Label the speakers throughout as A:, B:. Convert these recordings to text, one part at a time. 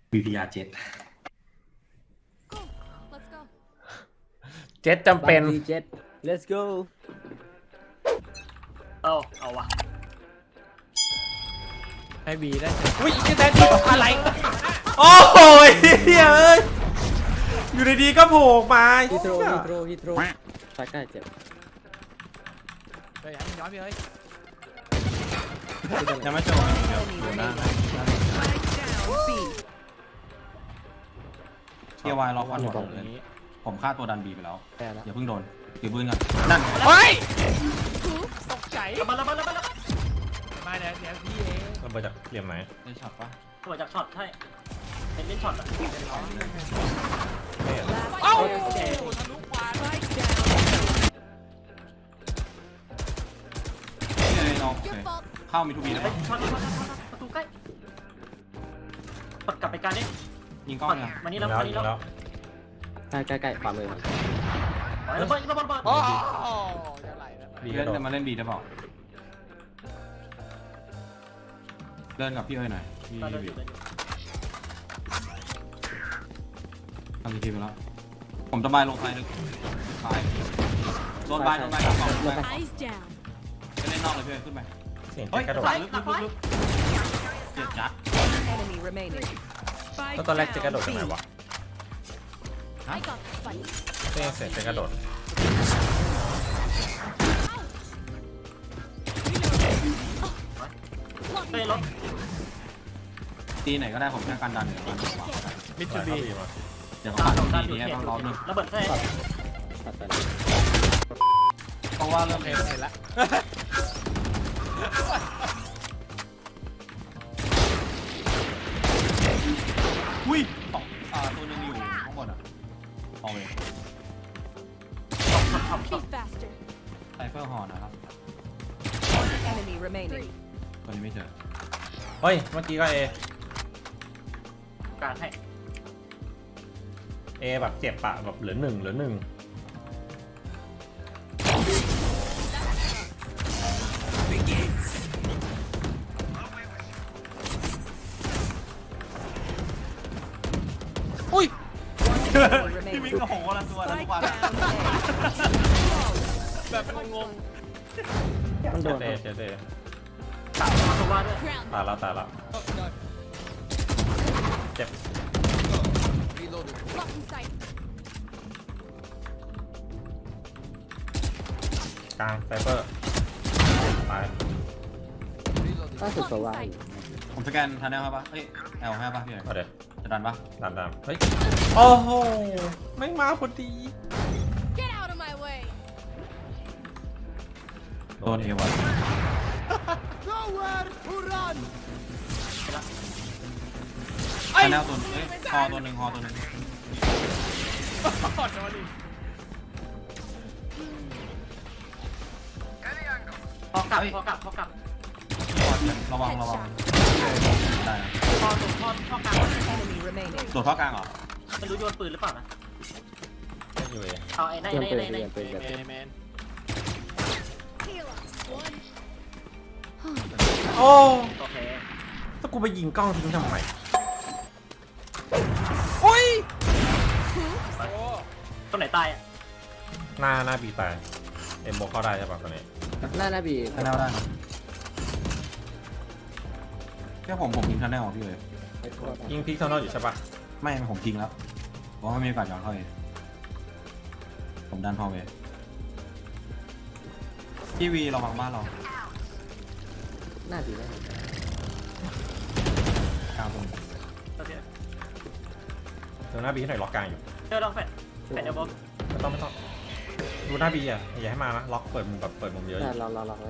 A: VPR 7
B: เจ็ตจำเป็น
C: เจ็ด let's go
D: เอาวะ
B: ให้บีได้อุ้ยอีกแดนที่อะไรโอ้โหเฮ้ยอยู่ดีๆก็โผล่มา
C: ฮิโตรตาใกล้เจ็บ
B: เฮ้ยย้อนไปเลย
A: ยังไม่จบเดี๋ยวอยู่หน้าเทียวายล็อกวันหมดเลยผมฆ่าตัวดันบีไปแล้ว
C: แพ้แล้ว
A: อย่าเพิ่งโดนถือปืนก่อนนั่น
B: เฮ้ยตกใจมาเดี๋ยวพี่เองมันมาจากเหลี่ยมไหน
A: ได้ช็อตปะ
D: ตัวจากช็อตใช่เป็นเล่นช็อตอ่ะ
B: เอ้า
A: น้องเข้ามีทูบีได้ปะ
D: ช็อตประตูใกล้กดกลับไปการนี้
A: ยิงกล้องเนี่ย
D: มานี่แล้วมานี่แล้ว
C: ใกล้ขวามือ
D: ระเบิด
B: โอ้
A: บีเล่นจะมาเล่นบีได้เปล่าเล่นกับพี่เอ้ยหน่อยพี่บีทำทีไปแล้วผมจะบายลงไฟลึกบายโดนบายกองจะเล่นนอกเลยพี่เอ้ยขึ้นไป
B: เสียง
A: เฮ้ย
B: กระโดด
A: ลึกเจ็บจัด
B: ก็ตอนแรกจะกระโดดจากไหนวะเสียงจะกระโดด
D: เฮ้ยรถ
A: ตีไหนก็ได้ผมแค่การดันเหนือมัน
B: มิจูบี
A: เดี๋ยวเขาตัดตีนี้ต้องรอบนึง
D: ระเบิดแท้
C: ตัดไป
A: เพราะว่าเริ่ม
B: เห็นแล้ว
A: อุ้ยตัวนึงอยู่ข้างบนอ่ะเอาเลยไซเฟอร์ฮอร์นะครับตัวนี้ไม่เจอ
B: เฮ้ยเมื่อกี้ก็
D: การให้
B: เอแบบเจ็บปะแบบเหลือหนึ่งอุ้ย
A: พี่มิ้งกับผมคนละตัวนะทุกวัน
B: แบบงง
C: มันโดน
B: เตะ
D: ตัวว่าด้วย
B: ตายแล้วเจ็บกลางไซเฟอร์ตาย
C: ล่าสุดตัวว่า
A: ผมสแกนทันได้ป่ะเอ้ยแอลให้ป่ะพี่
B: เอาเดี๋ยว
A: จะดันป่ะ
B: ตามเฮ้ยโอ้โหไม่มาพอดี
A: โดนเอวะทันแนวตัวเอ้ยฮอตัวหนึ่ง
D: พอกลับ
A: ระวังได้นะ
D: พอตัวพอกลับ
A: โดดท่อกลางเหรอ
D: ไม่รู้โยนปืนหรือเปล่านะ
B: อยู่เอ
D: เอาไอ้ใน
C: เปลี่ยนปืน
B: โอ้
D: โอเค
B: ถ้ากูไปยิงกล้องทิ้งทำไมโอ้ย
D: ตัวไหนตายอ่ะ
B: หน้าบีตายเอ็มโบเข้าได้ใช่ป่ะตอนนี้
C: หน้าบี
A: ทันแนวได้แค่ผมยิงทันแนวของพี่เลย
B: ยิงพิกเท่านั้นอยู่ใช่ป่ะ
A: ไม่ผมทิ้งแล้วเพราะว่าไม่มีโอกาสย้อนเข้าเองผมดันพอเวพี่วีระวังบ้านเรา
C: หน้าบีได้
A: กลางตรง
D: ตัวเดียว
B: ดูหน้าบีหน่อยล็อกกลางอยู่
D: เจอลองแฟนเดี๋ยวบอม
B: ไม่ต้องดูหน้าบีอ่ะอย่าให้มานะล็อกเปิดมุมแบบเปิดมุมเยอะ
C: รอเลย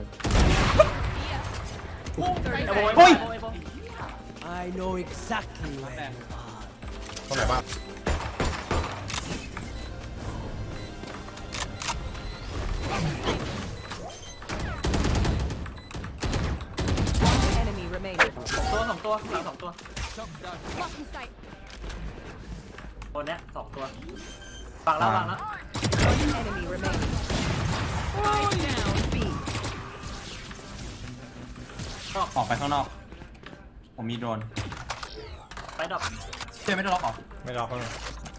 D: โอ้ย
E: I know exactly
A: แด
E: where
A: ง
E: you are.
B: ตรงไหนบ้าง
D: ตัวสองตัวหลังสองตัวตัวเนี้ยสองตัวฝั่งแล้ว
A: ออกไปข้างนอกผมมีโดรน
D: ไปดรอป
A: เจ๊ไม่ได้ล็อกหรอ
B: ไม่ล็อกเลย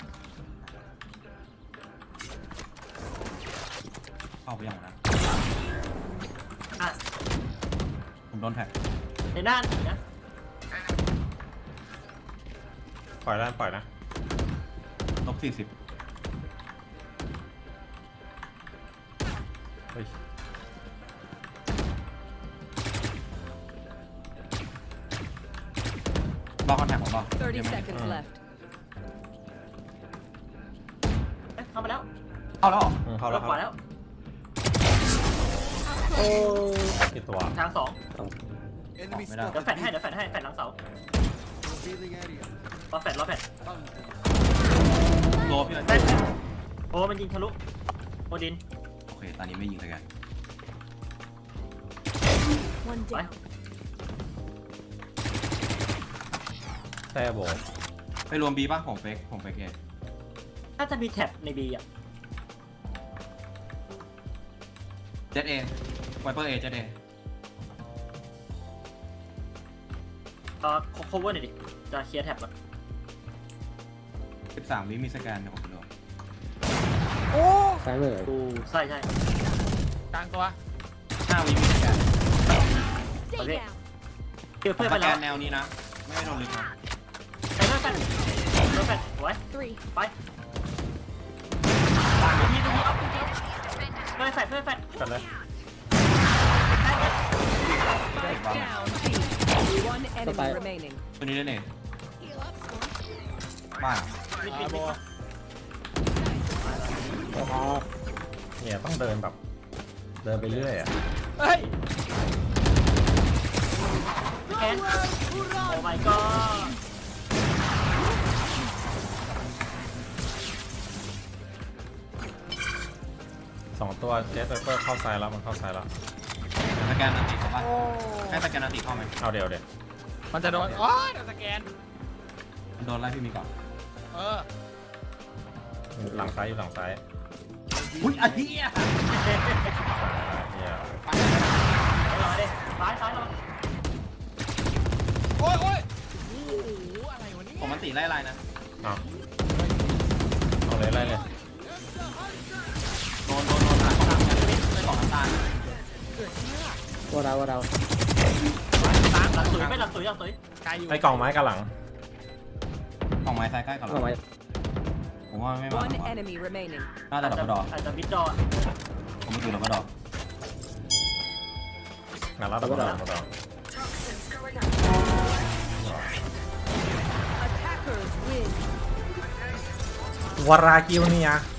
A: เข้าไปยังนะ
D: อ่ะ
A: ผมโดนแท็ก
D: ในหน้าหนีนะ
B: ปล่อยแล้วปล่อยนะ
A: ลบ40
B: เฮ้ย
A: ล็อกคอนแทคผมป่ะ
F: 30 seconds left.
D: เข้ามาแล้ว
A: เข้าแล้วเหรอ
B: เข้าแล้ว
D: ขวาแล้ว
C: โอ้
B: กี่ตัว
D: ทางสอง
E: Enemy
A: ไม่ได้
D: เดี๋ยวแฟดให้เดี๋ยวแฟดให้แฟดหลังเสา
E: revealing area.
D: รอแฟดรอแฟด
A: โลพี่เลย
D: แฟดโอ้มันยิงทะลุโอดิน
A: โอเคตอนนี้ไม่ยิงเลยแก
F: One
D: ไป
F: down.
B: แซ่โบ
A: ไปรวมบีป่ะผมเฟกเอ
D: ถ้าจะมีแท็บในบีอ่ะ
A: เจ็ดเอไวเปอร์เอเจ็ดเอ
D: โคเวอร์หน่อยดิจะเคลียร์แท็บก่อน
A: 13วิมีสแกนเดี๋ยวผมไปรวม
C: ซ้ายมือ
D: กูใช่ใช่
E: กลางตัว
A: 5วิมีสแกน
F: Stay
D: Okay.
F: down.
D: เกี่ยว
A: ผม
D: เพื่อน
A: ส
D: ไป
A: แก
D: แล้ว
A: นแนวนี้นะไม่โดนลึกนะ
D: ใช้เพื่อนแฟดเพื่อนแฟดไว้
F: Three.
D: ไปทีออฟเพื่อนแฟดเพื่อนแฟด
B: กันเลย
F: Spike down. B. One enemy remaining.
A: ตัวนี้ได้เน่บ้า
D: มิดมิด
E: โบ
D: มิด
B: เนี่ยต้องเดินแบบ เดินไปเรื่อยอ่ะ
E: เฮ้ย
D: แคนโอ้ my god
B: 2 ตัวเจสเปอร์เข้าซ้ายแล้วมันเข้าซ้ายแล้ว
A: สแกนนาติเข้าป่ะให้สแกนนาติเข้าไหม
B: เอาเดี๋ยว
E: มันจะโดนอ๋อโดนสแกน
A: โดนไล่พี่มีก่อน
E: เออ
B: หลังซ้ายอยู่หลังซ้าย
A: อุ้ยไอ้เหี้ย
B: เนี่ย
D: รอดิซ้ายซ้ายรอ
E: โอ้ยโอ้ยโอ้โหอะไรวะเนี่ย
A: ผมมันตีไล่ไล่นะ
B: เอาเลยไล่เลย
A: โดนทางของน้ำกันได้สองน้ำตาล
C: ว่าเรา
D: หลังตุ๋ยไม่หลังตุ๋ยหลังตุ๋ย
E: ไกลอยู่
B: ไอ้กล่องไม้กับหลัง
A: ของไม้ซ้ายใกล้ก่อน
C: เอาไว้
A: ผมว่าไม่มา
F: One enemy remaining.
A: น่าจะดับเบิลดอ
D: อาจจะมิดดอ
A: ผมไม่ดูดับเบิลดอ
B: งานรับดับเบิลดอ
F: Attackers win.
B: วารากิวเนี่ย